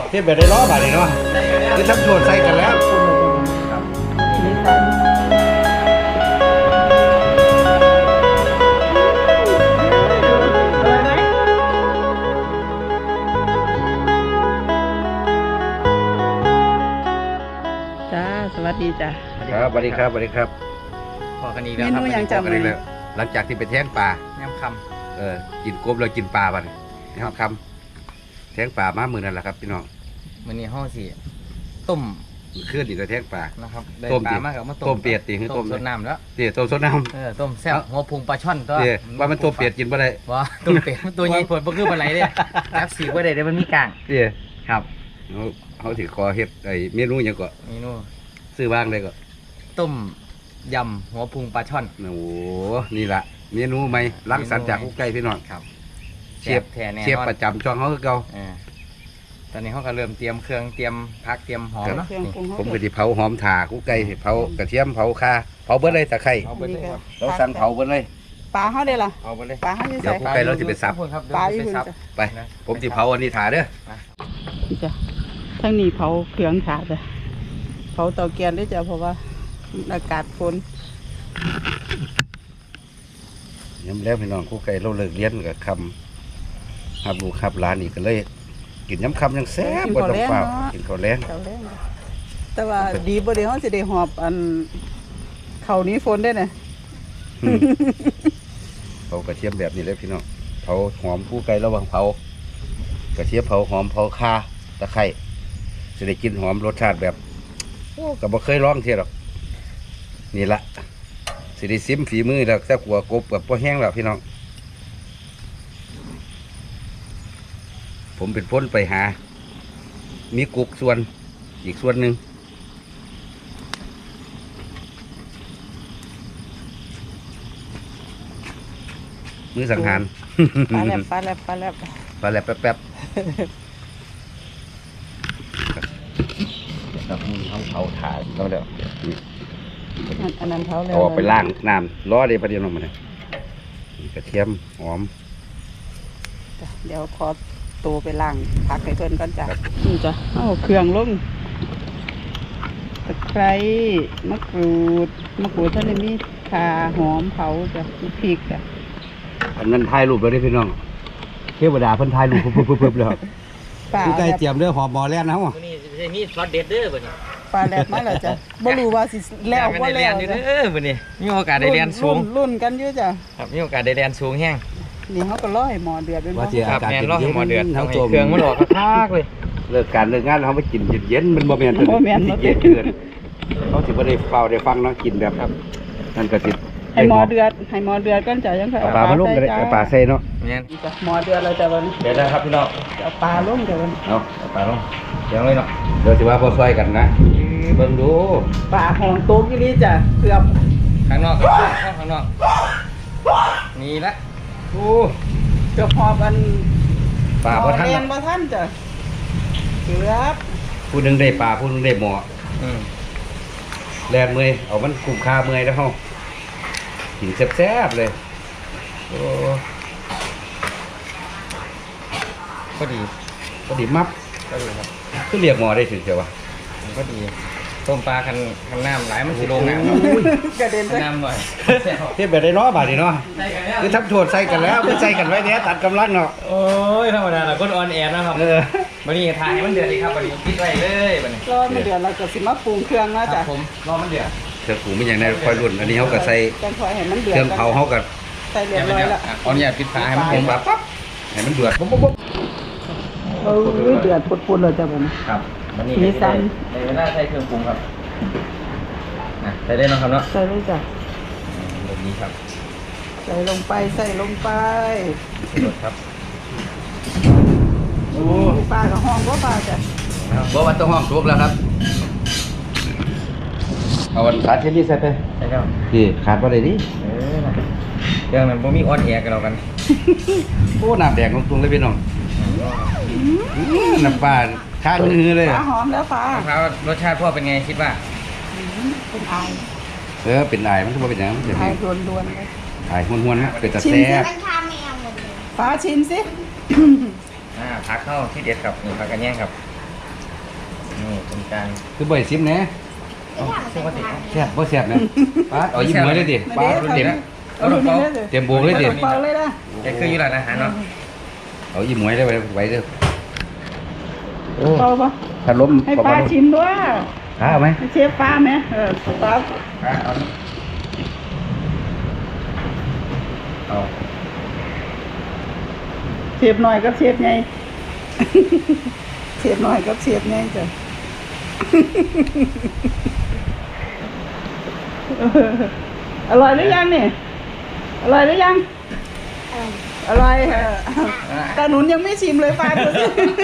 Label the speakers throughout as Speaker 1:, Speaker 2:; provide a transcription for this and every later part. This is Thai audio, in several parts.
Speaker 1: เทียบแบบได้ล้อบาทเลยเนาะคือทั้งโจทย์ใส่กันแล้ว
Speaker 2: จ้าสวัสดีจ้า
Speaker 1: ครับสวัสดีครับสวัสดีครับ
Speaker 3: พอกันอีก
Speaker 2: เม
Speaker 3: แล้วครับ
Speaker 2: นูยัง
Speaker 1: จำ
Speaker 2: จำ
Speaker 1: กัน
Speaker 2: เล
Speaker 1: อี
Speaker 2: ย
Speaker 1: กแล้วหลังจากที่ไปแท้งปลา
Speaker 3: แนมค
Speaker 1: กินกบแล้วกินปลาบัดนะครับคำแท้งปลามามือนั่นแหละครับพี่น้อง
Speaker 3: ำมื้อนี้ห้องสี่ต้ม
Speaker 1: เคลื่อนอีกแล้วแท้งปลา
Speaker 3: นะครับได้
Speaker 1: ต้ม
Speaker 3: ป
Speaker 1: ดิ
Speaker 3: ลามากกับมา
Speaker 1: ต้มเปียกดิคือต้
Speaker 3: ต้
Speaker 1: ม
Speaker 3: มสดน้ำแล้ว
Speaker 1: เตี๋ยต้มสดน้
Speaker 3: ต้มแซ่บหัวพุงปลาช่อนตัว
Speaker 1: ำเตี๋ยว่ามันต้มเปียกกินบ่ได้
Speaker 3: ว้าต้มเป็ดตัวใหญ่ผลบ่คือปลาไหลเด้จับสีบ่ได้เด้มันมีกลาง
Speaker 1: เตี๋ย
Speaker 3: ครับ
Speaker 1: เขาถือคอเฮ็ดไอ้เมนูหยังก็
Speaker 3: เมนู
Speaker 1: ซื้อบ้างเลยก็
Speaker 3: ต้มยำหัวพุงปลาช่อน
Speaker 1: โอ้โหนี่ละเมนูใหม่ล้างสรรค์จากกุ๊กไก่พี่น้อง
Speaker 3: ครับ
Speaker 1: เชียบ
Speaker 3: แท้แน่
Speaker 1: เชียบ
Speaker 3: นอน
Speaker 1: ประจำช่องเขาคือเก่า
Speaker 3: ตอนนี้เขาก็เริ่มเตรียมเครื่องเตรียมผักเตรียมหอมเนาะ
Speaker 2: เครื่อง
Speaker 3: นี่
Speaker 2: ปรุง
Speaker 1: ผมก็สิเผาหอมถ่ากุ๊กไก่เผากระเทียมเผาข่าเผาเบิดเลยตะไคร้
Speaker 3: เอาไปเลยครับ
Speaker 1: เราสั่งเผาเบิดเลย
Speaker 2: ปลาเขาได้ล่ะ
Speaker 3: เอาไปเลย
Speaker 2: ปลาเขาจะ
Speaker 1: เดี๋ยว
Speaker 2: ใส่
Speaker 1: กุ๊กไก่เราสิไปสับ
Speaker 3: ครับ
Speaker 2: ปลาอ
Speaker 3: เดี๋
Speaker 2: ยู่
Speaker 3: ยว
Speaker 2: คุ
Speaker 3: ไป
Speaker 2: ณ
Speaker 3: สับ
Speaker 2: จ้ะ
Speaker 1: ไปผมสิเผาอันนี้ถ่าเด้อ
Speaker 2: จ้ะทั้งนี้เผาเครื่องขาดจ้ะเผาเตาแก๊สได้จ้ะเพราะว่าอากาศฝน
Speaker 1: ย้ำแล้วพี่น้องกุ๊กไก่เราเลิกเรียนกับคำหับลูกหับหลานอีกก็เลย กินย้ำคำยังแซ่บบ่ต้องเปล่ากินข้าวแรง
Speaker 2: เตาแรงจ้ะแต่ว่าดีบ่ได้เฮาสิได้หอบอันเขานี้ฝนได้น่ะ
Speaker 1: เผากระเทียมแบบนี้เลยพี่น้องเผาหอมกุ๊กไก่ระหว่างเผากระเทียมเผาหอมเผาข่าตะไคร้จะได้กินหอมรสชาติแบบโอ้ก็บ่เคยลองเที่ยหรอกนี่ละสิได้ซิมฝีมือแล้วแต่กัวกบกับบ่แห้งแล้วพี่น้องผมเป็นพ้นไปหา มีกุกส่วนอีกส่วนหนึ่งมือสังหาร
Speaker 2: ปลาแลบปลาแลบปลาแลบ
Speaker 1: ปลาแหลบแป๊บๆครับเขาเผาถ่านแล้วเดี๋ยวนี่
Speaker 2: อันนั้นเผาแล้ว
Speaker 1: เอาออกไปล้างน้ำล้อเดี๋ยวประเดี๋ยวลงมาเลยกระเทียมหอม
Speaker 2: จ้ะเดี๋ยวขอตัวไปล้างผักให้เพิ่นก่อนจ้ะ
Speaker 1: ครับ
Speaker 2: นี่จ้ะเอาเครื่องลงตะไคร้มะกรูดท่านได้มีข่าหอมเผาจ้ะมีพริกจ้ะ
Speaker 1: อันนั้นถ่ายรูปแล้วได้พี่น้องเทวดาเพิ่นถ่ายรูปปุ๊บๆๆแล้ว
Speaker 2: ปลา
Speaker 1: ผู้ใกล้
Speaker 2: แลบ
Speaker 1: เตรียมเด้อหอมหมอแล่นนะฮะ
Speaker 3: ตัวนี้จะมีช็อตเด็ดเด้อบัดนี้
Speaker 2: ปลาแลบมาแล้วจ้ะบ่รู้ว่าสิแล้วบ่
Speaker 3: ได้
Speaker 2: แล้
Speaker 3: เรียน
Speaker 2: ว
Speaker 3: อยู่
Speaker 2: จ้ะ
Speaker 3: เด้อบัดนี้มีโอกาสได้เรียนสูง
Speaker 2: รุ่นกันอยู่จ้ะ
Speaker 3: ครับมีโอกาสได้เรียนสูงแห้ง
Speaker 2: นี่เขาก็รอให้หมอเดือดเป็น
Speaker 1: ว่า
Speaker 2: บ่
Speaker 1: เจีย
Speaker 3: ครับ
Speaker 1: อากาศ
Speaker 3: แม่น
Speaker 1: เย็น
Speaker 3: รอให้หมอเดือด
Speaker 1: ทั้ง
Speaker 3: ทำให้
Speaker 1: ตัว
Speaker 3: เครื่องมันออกคากเลย
Speaker 1: เลิกการเลิกงานเขาไปกินเย็นๆมันบ่แม่นตัวนี้เย็นเกินเขาสิบ่ได้เฝ้าได้ฟังเนาะกินแบบนั่นก็สิ
Speaker 2: ให้หมอเดือดก่อนจ้ะยังค่อย
Speaker 1: เอาปลามาลงก็ได้เอาปลาใส่เนาะ
Speaker 3: แม่น
Speaker 2: จ้ะหมอเดือดแล้วจ้ะวันนี้
Speaker 3: เดี๋ยวนะครับพี่น้อง
Speaker 2: เอาปลาลงจ้ะวัน
Speaker 1: เอา
Speaker 3: เอาปลาลงเดี๋ยวเลยเนาะ
Speaker 1: เดี๋ยวสิว่าบ่ซอยกันนะเบิ่งดู
Speaker 2: ปลาหองโต๊ะกี่ลิจ้ะเกือบ
Speaker 3: ข้างนอกครับข้างนอกนี่ละ
Speaker 1: โอ้
Speaker 2: เกือบหอบอัน
Speaker 1: ปลาบ่ทัน
Speaker 2: เรีย
Speaker 1: เนาะ
Speaker 2: นบ่ทันจ้ะเกือบ
Speaker 1: ผู้หนึงได้ปลาผู้หนึงได้หมอ
Speaker 3: อืม
Speaker 1: แลนเมื่อยเอามันคุ้มค่าเมื่อยแล้วเฮากินแซ่บๆเลยโอ้
Speaker 3: ก็ดี
Speaker 1: พอดีมับ
Speaker 3: ก็ดีครับ
Speaker 1: คือเรียกหมอได้ถึงเจ้าวะ
Speaker 3: มันก็ดีต้มปลาคันน้ำไหลมันสิลงน้ำเนาะ
Speaker 2: กระเด็นไป
Speaker 3: น้ำหน่อย
Speaker 1: เทียบแบบได้เนาะบาดนี้เนาะ
Speaker 3: ใส่กันแล้ว
Speaker 1: คือทับโทษใส่กันแล้วคือใส่กันไว้เนี่ยตัดกำลังเนาะ
Speaker 3: โอ้ยธรรมดาเราก็ออนแอร์นะครับ
Speaker 1: เออ
Speaker 3: วันนี้ทายให้มันเดือดดีครับวันนี้คิดไว้เลยวันนี้
Speaker 2: รอมาเดือดเราก็สิมาปรุงเครื่องแล้ว
Speaker 3: ครั
Speaker 2: จ้ะ
Speaker 3: บผมรอมันเดือด
Speaker 1: เครื่องปรุงมันอย่างในคอยรุ่นอันนี้เขาก็ใส่
Speaker 2: จังคอยให้มันเดือด
Speaker 1: เครื่องเผาเขาก็
Speaker 2: ใส่เรียบร้อยแล้ว
Speaker 3: ขออนุญาตปิดฝาให้มัน
Speaker 1: เห็
Speaker 3: เย็
Speaker 1: น
Speaker 3: น
Speaker 1: ปั๊บปั๊บให้มันเดือดปุ๊บปุ๊บปุ๊บ
Speaker 2: เออเดือดปุดๆเลยจ้ะวันนี้
Speaker 3: ครับวันนี้
Speaker 2: สีสัน
Speaker 3: ในเวลาใช้เครื่องปรุงครับใส่ได้เนาะครับเนาะ
Speaker 2: ใส่เลยจ้ะ
Speaker 3: แบบนี้ครับ
Speaker 2: ใส่ลงไป
Speaker 3: รสครับ
Speaker 2: โอ้ปลากับห้องบ่ปลาจ้ะ
Speaker 1: บอกว่าต้องห้องทุกแล้วครับเอาวันขาดเช่นนี้ใส่ไป
Speaker 3: ใช่ครับ
Speaker 1: ที่ขาดว่าได้ดิ
Speaker 3: นะเครื่องนั้นผมมีออนแอร์กันแล้วกัน
Speaker 1: โอ้น้ำแดงของตรงเลยพี่น้องน้ำปลาข้างมือเลย
Speaker 2: ปลาหอมแล้วปลา
Speaker 3: ครับรสชาติพ่อเป็นไงคิดว่า
Speaker 2: เป็นไอาย
Speaker 1: เป็นไอมันก็บ่เป็นหยังเป็น
Speaker 2: ไอายล้วนๆเลย
Speaker 1: ไอห้วนๆนะเป็นตะ
Speaker 2: ชิม
Speaker 1: แซ่
Speaker 2: สิ
Speaker 1: บ
Speaker 2: ปลาชิมสิ
Speaker 3: ผักเข้าที่เด็ดครับนี่ผักกันแย่งครับจาน
Speaker 1: คือบ่อยซิมแหน่
Speaker 3: เชื่อว่าติด
Speaker 1: แซ่บบ่แซ่บนะป้าเอายิ้มเหมือนเลยดิป้า
Speaker 3: เต็ม
Speaker 2: เอาลงนี่เลย
Speaker 1: เต็มบวงเลยดิ
Speaker 2: เปล่าเลยนะ
Speaker 3: แกคืออยู่ร้านอาหารเนาะ
Speaker 1: เอายิ้มเหมือนได้ไว้เด้อโอ้
Speaker 2: เปล่าปะ
Speaker 1: ถ้าล้ม
Speaker 2: ให้ป้าชิมด้วย
Speaker 1: เอาไหม
Speaker 2: ให้เชฟป้าไหมป้า
Speaker 1: เอา
Speaker 2: เชฟหน่อยกับเชฟไง เชฟหน่อยกับเชฟไงจ้ะ อร่อยหรือยังนี่อร่อยหรือยังอร่อยแต่หนุนยังไม่ชิมเลยป้าดูสิ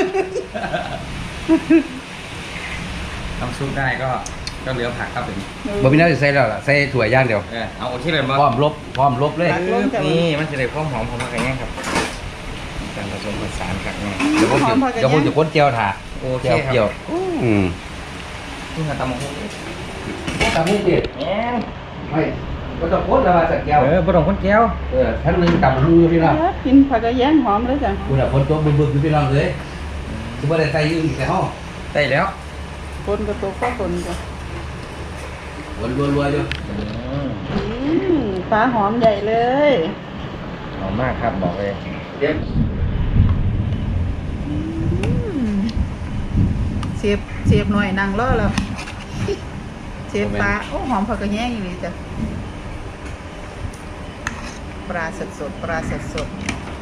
Speaker 3: ทำซุปได้ก็เหลือผักครับผม
Speaker 1: บ่มีน้ำจะใส่แล้วล่ะใส่ถั่วย่างเดียว
Speaker 3: เอาโอเคเลยมั้
Speaker 1: พร้อมลบเลย
Speaker 3: นี่มันจะได้ความหอมของผักกระแยงครับการผสมผสานผักเนี่ย
Speaker 1: เดี๋ยวผมจะค้นเจียวถ่า
Speaker 3: โอเค
Speaker 1: เจียว
Speaker 3: ครับ นี่คือตำมะฮุ่ง
Speaker 1: ตำมุ้งดิ
Speaker 3: แง่
Speaker 1: ไม่ก็ต้องค้นแล้วมาสักแก้ว
Speaker 3: บดองคนแก้ว
Speaker 1: ท่านนึงตำมุ้งอยู่พี่น้อง
Speaker 2: กินผักกระแยงหอมเลยจ้ะ
Speaker 1: คุณอ่ะคนตัวบึกๆอยู่พี่น้องเลยคือบ่ได้ใส่ยืนแต่ห้อง
Speaker 3: ได้แล้ว
Speaker 2: คนกับตัวข้าวคนจ้ะ
Speaker 1: วนรัวๆอยู่
Speaker 2: ปลาหอมใหญ่เลย
Speaker 3: หอมมากครับบอกเลย
Speaker 1: เดี๋ยว
Speaker 2: เชฟหน่อยนั่งรอแล้วเชฟปลาโอ้หอมผักกระแยงอยู่นี่จ้ะปลาสดๆปลาสด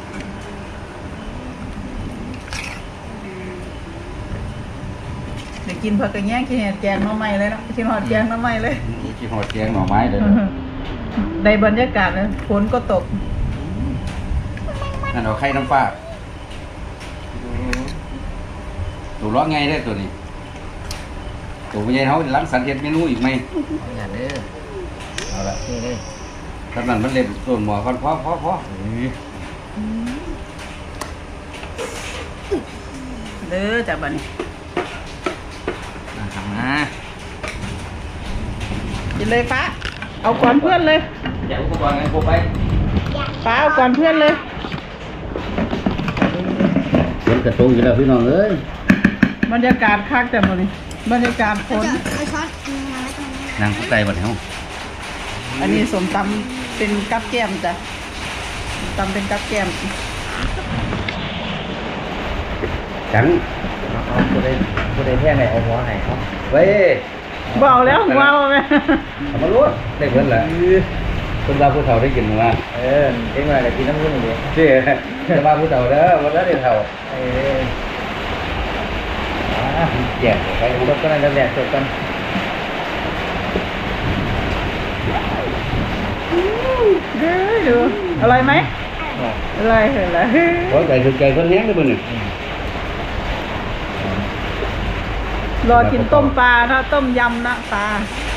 Speaker 2: เดี๋ยวกินผักกระแยงกินแกงหน่อไม้เลยนะกินหอดแกงหน่อไม้เลย
Speaker 1: กินหอดแกงหน่อไม้เลย
Speaker 2: ในบรรยากาศเลยฝนก็ตก
Speaker 1: นั่นเอาไข่น้ำปลาตัวล้อไงได้ตัวนี้ตัวใหญ่เขาล้างสันเฮ็ดเมนูอีกไหม
Speaker 3: อย่าเด้อ
Speaker 1: เอาละ
Speaker 3: นี่เลย
Speaker 1: ถ้านั้นมันเล็บส่วนหมอก่อนพอ
Speaker 2: เด้อจ้ะบัดนี้
Speaker 3: มา
Speaker 2: กินเลยฟ้าเอาก่อนเพื่อนเลย
Speaker 3: อย่าอุปกรณ์ไงโคไป
Speaker 2: ฟ้าเอาก่อนเพื่อนเลย
Speaker 1: ฝนกระตุกอยู่แล้วพี่น้องเอ้ย
Speaker 2: บรรยากาศคักแต่หมดนี่บรรยากาศฝน
Speaker 4: เอาช้อนมาไว้ตรงนี้
Speaker 1: นางผู้ใจบัดเฮา
Speaker 2: อันนี้สมตำเป็นกับแก้มจ้ะตำเป็นกับแก้ม
Speaker 1: จัง
Speaker 3: เอาผู้ใดแท้ไหนเอาหัวไหนครับ
Speaker 1: เว้ย
Speaker 2: เบาแล้วหัวเอาไหม
Speaker 1: เอามาลวดได้เพิ่นล่ะคนเราผู้เฒ่าได้กินมื้อว่า
Speaker 3: เอ็งมาแต่กินน้ำผึ้งอย่างเดียว
Speaker 1: เด้จะมาผู้เฒ่าเด้อบ่ได้เฒ่าแจกไป
Speaker 3: จบกันแล้วแดดจบกัน
Speaker 2: เด้อดูอร่อยไหมอร่อยเหรอ
Speaker 1: ขอใจถึงใจเพิ่นแฮงเด้อมื้อนี้
Speaker 2: รอกินต้มปลานะต้มยำนะปลา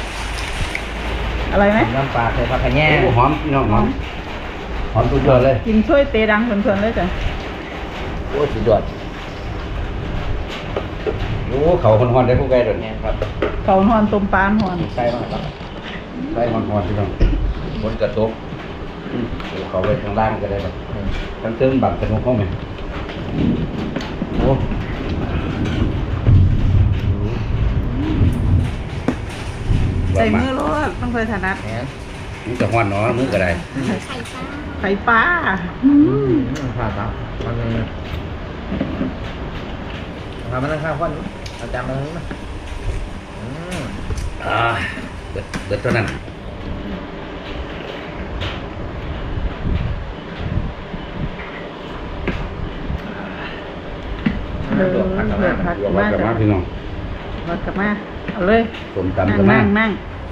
Speaker 2: อะไรไหม
Speaker 3: น้ำปลาใส่ผักกระแยง
Speaker 1: โอ้หอมพี่น้องหอมสุดยอดเลย
Speaker 2: กินช่วยเตะดังเพลินๆเลยจ้ะ
Speaker 1: โอ้สุดยอดโอ้เขาฮอนๆได้ผู้ใกล้เด้อ
Speaker 3: แง่ครับ
Speaker 2: เขาหอนต้มปลาหอน
Speaker 3: ใส่บ้างครับ
Speaker 1: ได้ฮอนๆพี่น้องฝนกระตกเขาไว้ข้างล่างก็ได้ครับทั้งเทิงบังสนุกเข้าไหมโอ้
Speaker 2: ใส่มือรสต้องเคยถนัด
Speaker 3: แง่
Speaker 1: นี่จะฮ้อนเนาะมือก็ได้
Speaker 4: ไข่ปลา
Speaker 2: ไข่ปลา
Speaker 3: ผ่าครับมันทำมันข้าวข้อนอาจารย์มาเลยนะ
Speaker 1: เบิดเท่านั้น
Speaker 2: ผักกับมา
Speaker 1: ผักกับมาพี่น้อง
Speaker 2: ผักกับมาเอาเลย
Speaker 1: ส้มตำกับมา
Speaker 2: นั่ง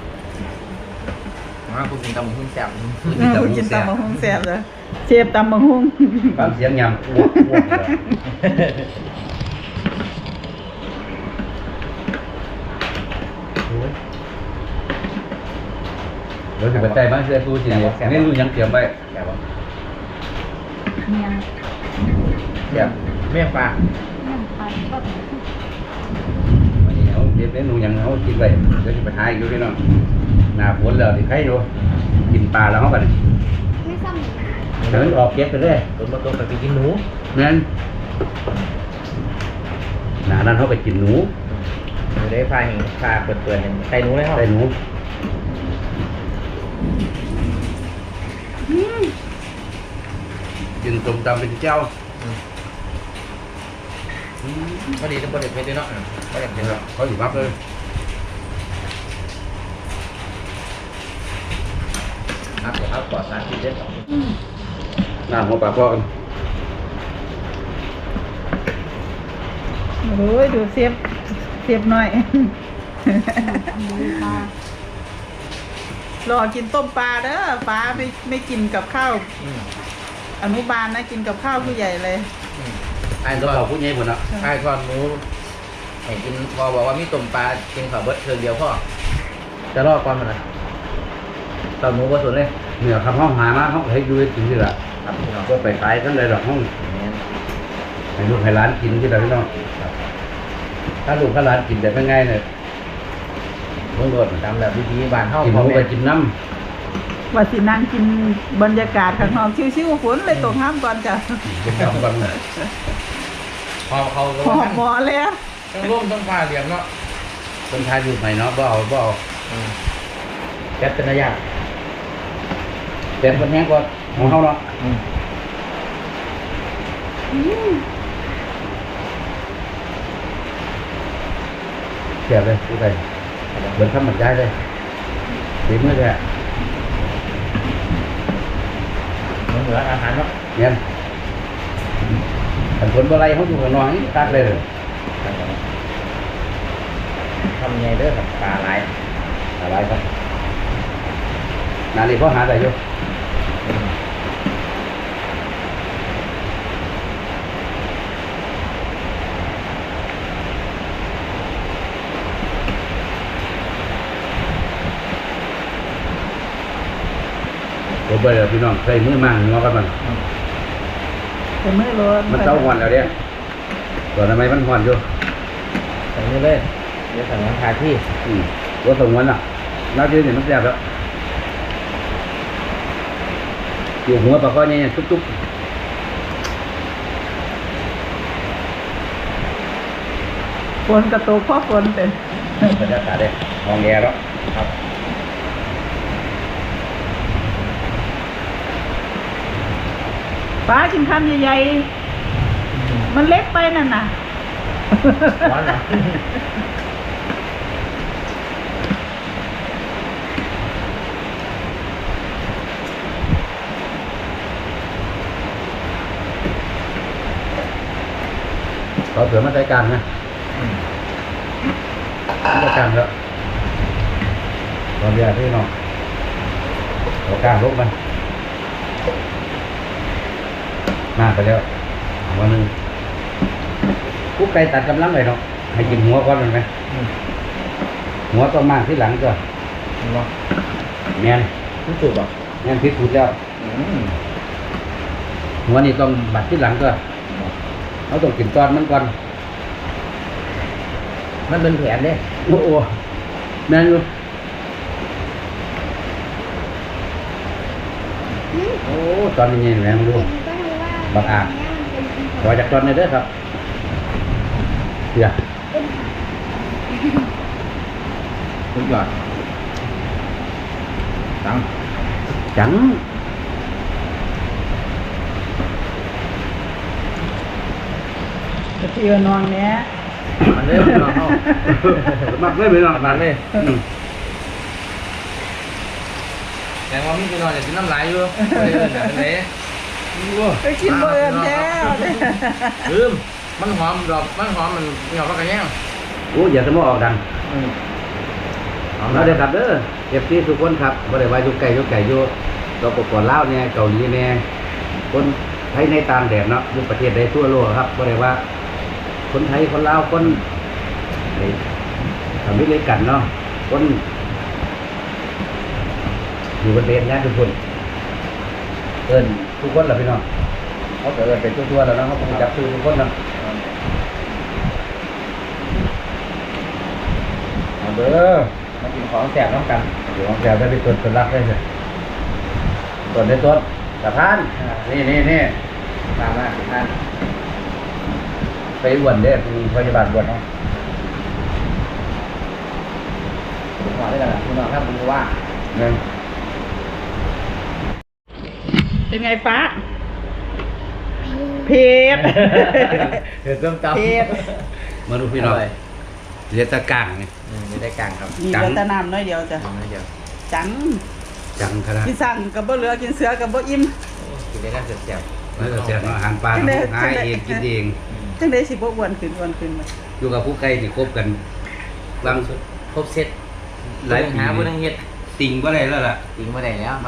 Speaker 3: มาคุณกินตำหุ้นแซ่บ
Speaker 2: กินตำมะฮุ่งแซ่บเลยเชฟตำมะฮุ่ง
Speaker 1: ฟังเสียงยำอ้วกเดี๋ยวจะไปใส่บ้านเสื้อตู้จีนนี่รู้ยังเตรียมไว้
Speaker 3: แซ่บ
Speaker 2: เนี่ย
Speaker 1: เตรียม
Speaker 3: เมี่ยงปลา
Speaker 1: วันนี้เขาเตรียมเมนูยังเขากินไปเดี๋ยวจะไปหาอีกอยู่พี่น้องหน้าฝนแล้วที่ใครอยู่กินปลาแล้วเขากัน
Speaker 4: ไม่ซ้ำหนู
Speaker 1: เดี๋ยวมันออกเก็บไปเลย
Speaker 3: ตัวมาตัวไปกินหนู
Speaker 1: นั่นหน้านั้นเขาไปกินหนู
Speaker 3: อยู่ได้ฟ้าเห็นฟ้าเปิดเห็นไข่หนูเลยครับ
Speaker 1: ใส่หนูกินส้มตำเป็นเจ้า
Speaker 3: พอดีทุกคนเด็ดเพชรด้วยเนาะก็เด็ดเพชร
Speaker 1: เขาอยู่มักเลย
Speaker 3: ครับเดี๋ยวครับปลอดสารพิษเด้อ
Speaker 1: หน้าหัวปลาพ่อกัน
Speaker 2: โอ้ยดูเสียบหน่อย รอกินต้มปลาเด้อปลาไม่กินกับข้าวอนุบาลนะกินกับข้าวผู้ใหญ่เลย
Speaker 1: ไอ้ตัวเขาพูดง่ายหมดนะ
Speaker 3: ไอ้ทอดหมูให้กินพอบอกว่ามีต้มปลากินข้าวเบิดเทิงเดียวพ่อจะรอดก่อนมันนะตอนหมูก็สุดเลย
Speaker 1: เนี่ยคำห้องหามาเขาให้ดูให้กินที่ละ
Speaker 3: ครับพี่น้อง
Speaker 1: ก็ไปขายกันเลยดอกห้องให้ลูกให้ร้านกินที่ละพี่น้องถ้าลูกถ้าร้านกินแต่เป็นไงเนี่ยเมื่อก่อน
Speaker 3: ตามแบบวิธีบ้านเฮา
Speaker 1: กินห
Speaker 3: พ่อ
Speaker 1: มู
Speaker 3: แม่
Speaker 1: ไปกินน้
Speaker 2: ว่าสินั่งกินบรรยากาศข้างนอกชิวๆฝนเลยตกห้ามก่อนจ้ะ
Speaker 1: ำกินน้ำกัน
Speaker 3: พอเขา
Speaker 2: หอบหมอแล้ว
Speaker 3: ต้องร่วมต้องฟ้าเหลี่ยมเนาะ
Speaker 1: คนไทยอยู่ไหนเนาะบ่เอา
Speaker 3: แก๊สเป็นระยะ
Speaker 1: แต่คนแห้งก็ของเขาเนาะเสียบเลยผู้ใดเบิร์นทำหมันได้เลยดีมือเลย
Speaker 3: เหมือนอาหารเนาะ
Speaker 1: เนี่ยขันผลอะไรเขาอยู่กับน้อยตัดเลย
Speaker 3: ทำยังไงเด้อกับปลาไหล
Speaker 1: อะไรครับนานี่เขาหาได้อยู่ผมไปเลยพี่น้องใส่มือมั่งงอกันมัน
Speaker 2: แต่มือร้อน
Speaker 1: มันเต้าหอนแล้วเนี่ยตอนทำไมมันหอนอยู่
Speaker 3: ใส่นี่เลยเดี๋ยวสั่งน้ำทาที่
Speaker 1: ตัวสงวนอ่ะน้ำเยอะเนี่ยมันแซ่บแล้วอยู่หัวปลาข้อเนี่ยตุ๊บ
Speaker 2: ฝนกระตกเพราะฝนเป็น
Speaker 1: ๆบรรยากาศเลยมองแย่แล้ว
Speaker 3: ครับ
Speaker 2: ป้ากินคำใหญ่ๆมันเล็กไปนั่นน่ะ
Speaker 3: ร้อนเหรอ
Speaker 1: เขาเสือมาใช้การนะมาการแล้วตอนเรียนพี่น้องเอาการลบมันมาไปแล้ววันหนึ่งกุ๊กไก่ตัดกำลังเลยเนาะให้กินหัวก่อนมันไหมหัวต้องมากที่หลังก็
Speaker 3: เนาะ
Speaker 1: แม่น
Speaker 3: รู้สึกป่ะ
Speaker 1: แม่นพิษสุดแล้วหัวนี่ต้องบัดที่หลังก็เขาต้องกินตอนมันก่อน
Speaker 3: มันเป็นแผนเด้
Speaker 1: โอ้โหแม่นอยู่โอ้ตอนนี้ไงแม่งดู บักอาจ ขอจากตอนนี้เด้อครับเดี๋ยว
Speaker 3: สุดยอดตัง
Speaker 1: จัง
Speaker 2: กระเทียมนอนเนี้ย
Speaker 3: มันเริ่มนอนเข้า
Speaker 1: มักเลยไปเนาะ
Speaker 3: มันเลยแต่ว่ามีพี่นอนอย่ากินน้ำลายอยู่ไม่ได้เอิ้นแบบนี้
Speaker 2: ไปกินเบอร์แท้
Speaker 3: ลืมมันหอมดอกมันหอมมันเหงาปากกระแยง
Speaker 1: โอ้อย่าสมอออกดัง
Speaker 3: หอม
Speaker 1: เราเดี๋ยวครับเด้อเอฟซีทุกคนครับบ่ได้ว่าอยู่ไกลอยู่เราปกป้องลาวเนี่ยเกาหลีเนี่ยคนไทยในต่างแดนเนาะอยู่ประเทศใดทั่วโลกครับบ่ได้ว่า คนไทยคนลาวคนไอ้อเมริกันเนาะคนอยู่บนเดนนะทุกคนเอิ้นทุกคนล่ะพี่น้องเขาก็เอิ้นเป็นทั่วๆแล้วเนาะเขาคงจับชื่อทุกคนเนาะเอาเด้อ
Speaker 3: มากินของแสบน้ำกัน
Speaker 1: อยู่ของแถวได้ไปตรวจตรวจรักได้เลยตรวจได้ตรวจสะพานนี่
Speaker 3: ตามมาท่าน
Speaker 1: ไปอ้วนเด้อมีพยาบาลอ้วนเนาะ
Speaker 3: ได้แล้วคุณน้องครับผมว่า
Speaker 1: นั่น
Speaker 2: เป็นไงฟ้าเผ็ด
Speaker 3: เดือดต้มตำ
Speaker 2: เผ็ด
Speaker 1: มาดูพี่น้องเรียกตะกร้างนี่
Speaker 3: ไม่ได้กลางครับ
Speaker 2: มีแต่น้ำน้อยเดียวจ้ะ
Speaker 3: ไม่เดียว
Speaker 2: จัง
Speaker 1: จังขนาด
Speaker 2: กินสั่งกับบ่เหลือกินเสือกับบ่อิ่ม
Speaker 3: กินได้กันเสียบ
Speaker 1: แล้วก็เสียอาหารปลาหาเองกินเอง
Speaker 2: จังได้สิบ่อ้วนขึ้นมา
Speaker 1: อยู่กับผู้ใกล้ที่คบกันบาง
Speaker 3: ครบเซ็ต
Speaker 1: หลายปี
Speaker 3: หาผู้ทั้งเฮ็ด
Speaker 1: ติ่งก็ได้แล้วล่ะ
Speaker 3: จริงมาได้แล้วครับ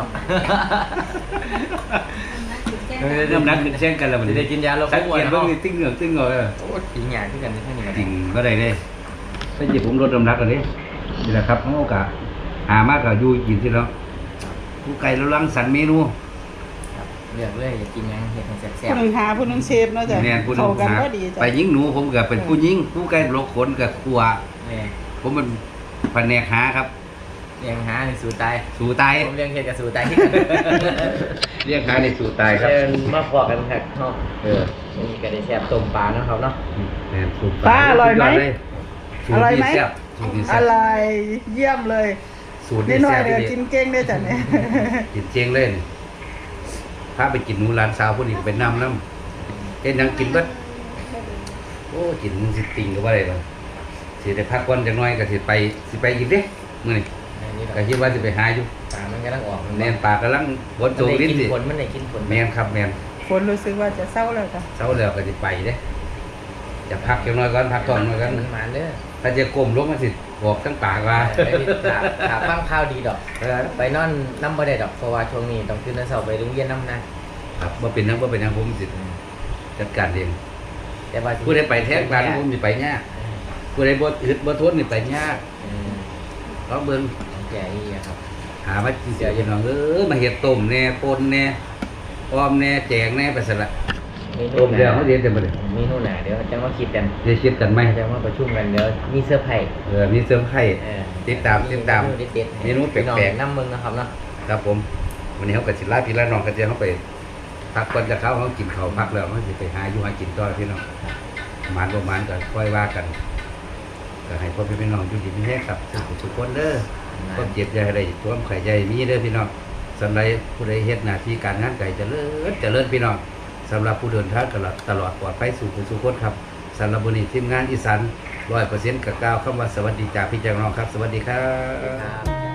Speaker 1: เริ่มนัดขึ้นเช่นกันแล้วมัน
Speaker 3: ได้กินยาลด
Speaker 1: สัง
Speaker 3: อ้ว
Speaker 1: เก
Speaker 3: น
Speaker 1: ต
Speaker 3: เนาะ
Speaker 1: ว่าติ้งเหงือกติ้งเหงือก
Speaker 3: โอ้กินยาที่กันที่นี่กัน
Speaker 1: ติ่งก็ได้เลยถ้าหยิบผมลดน้ำหนักกันนี่นี่แหละครับโอกาสหามากกับยูกินที่แล้วผู้ไก่เราลังสรรค์เมนู
Speaker 3: เลือกเลยอยากกินยังเฮ็ดให้แซ่
Speaker 2: ผู้
Speaker 3: บ
Speaker 2: หนึงหาผู้หนึงเชฟเนาะจ้ะ
Speaker 1: แน่นผู้หนึ
Speaker 2: เข้าง กัน
Speaker 1: หา
Speaker 2: ก็ดีจ้ะ
Speaker 1: ไปยิงหนูผมกับเป็นผู้ยิงผู้ไก่โลกขนกับครัว
Speaker 3: ๆนี่
Speaker 1: ผมเป็นแผนกหาครับ
Speaker 3: เลี้ยงหาในสู่ตาย
Speaker 1: สู่ตาย
Speaker 3: ผมเลี้ยงเฮ็ดกับสู่ตายที่กัน
Speaker 1: เรียกหาในสู่ตายครับ
Speaker 3: เชิญมาพอกันครับเนาะนี่ก็ได้แซ่บต้มปลาเนาะครับเนาะ
Speaker 1: แน่นสู่
Speaker 2: ป้าอร่อยไหม
Speaker 1: สู
Speaker 2: อ
Speaker 1: ต
Speaker 2: ร่อย
Speaker 1: ที่
Speaker 2: ไหม
Speaker 1: แซ่บสูตรที่
Speaker 2: อ
Speaker 1: แซ่บ
Speaker 2: ร่อยเยี่ยมเลย
Speaker 1: สูตร
Speaker 2: นิ
Speaker 1: ที่
Speaker 2: ดหน่อ
Speaker 1: แซ่
Speaker 2: ย
Speaker 1: บ
Speaker 2: เดี๋ยว
Speaker 1: ที่
Speaker 2: กินเก่งด้วยจ้ะเนี่ย
Speaker 1: กินเจงเล่นพาไปกินหนูร้านสาวพวกนี้ก็ไปน้ำเอ็นยังกินเบัดโอ้กินสิติงก็ว่าอะไรหรอกสิได้พักวันจังน้อยก็สิไปอีกเด้มื้อนี้
Speaker 3: นี่
Speaker 1: ก็คิดว่าสิไปหาอยู่
Speaker 3: ปลามันกำลังออก
Speaker 1: แม่นปลากำลังบดโจงลิ้นสิ
Speaker 3: มันได้กินผล
Speaker 1: แม่นครับแม่น
Speaker 2: ฝนรู้สึกว่าจะเศร้าแล้วจ้ะ
Speaker 1: เช้าแล้วก็สิไปเด้จะพักจังน้อยก่อนพักท้องน้อยก่อน
Speaker 3: มันมาเด้อ
Speaker 1: ถ้าจะก้มลงมันสิบอกทั้งปากว่า
Speaker 3: ถาฟังข้าวดีดอกไปนอนน้ำบ่ได้ดอกเพราะว่าช่วงนี้ต้องขึ้นน้ำเสาไปโรงเรียนน้ำนะครับ
Speaker 1: บ่เป็นหยังบ่เป็นหยังผมสิจัดการเอง
Speaker 3: แต่ว่า
Speaker 1: ผู้ใดไปแท้กลางผมสิไปยากผู้ใดบ่อึดบ่ทนนี่ไปยากลองเบิ่ง
Speaker 3: แก่อีครับ
Speaker 1: หาว่ากินเสียอย่างน้องมาเห็ดต้มแน่ปนแน่อ้อมแน่แจงแน่ไปสละต้มเดียวเขาเรียนจะมาเลย
Speaker 3: มีนู่นน่ะเดี๋ยวจะมาคิดกัน
Speaker 1: จะคิดกันไหม
Speaker 3: จะมาประชุมกันเดี๋ยวมีเสื้อไผ่
Speaker 1: มีเสริมไข่ติดตามเมนูแปลก
Speaker 3: น้ำมึงนะครับเนาะ
Speaker 1: ๆครับผมวันนี้เขากับสิลาพี่ละน้องกันเดียวเขาไปพักก่อนจะเข้าเขากินข้าวพักแล้วเขาจะไปหาอยู่หากินต่อพี่น้องหมานประมาณก็ค่อยว่ากันก็ให้พ่อพี่น้องอยู่ดีมีแห้งครับทุกคนเด้อก็เจ็บใจอะไรตัวไข่ใจมีเด้อพี่น้องสำหรับผู้ใดเฮ็ดหน้าที่การงานไก่เจริญพี่น้องสำหรับผู้เดินทางตลอดปลอดภัยสู่ผู้สุขคนครับสำหรับบุญทีมงานอีสาน100%กับก้าวคำว่าสวัสดีจากพี่แจงน้องครับสวัสดีครับ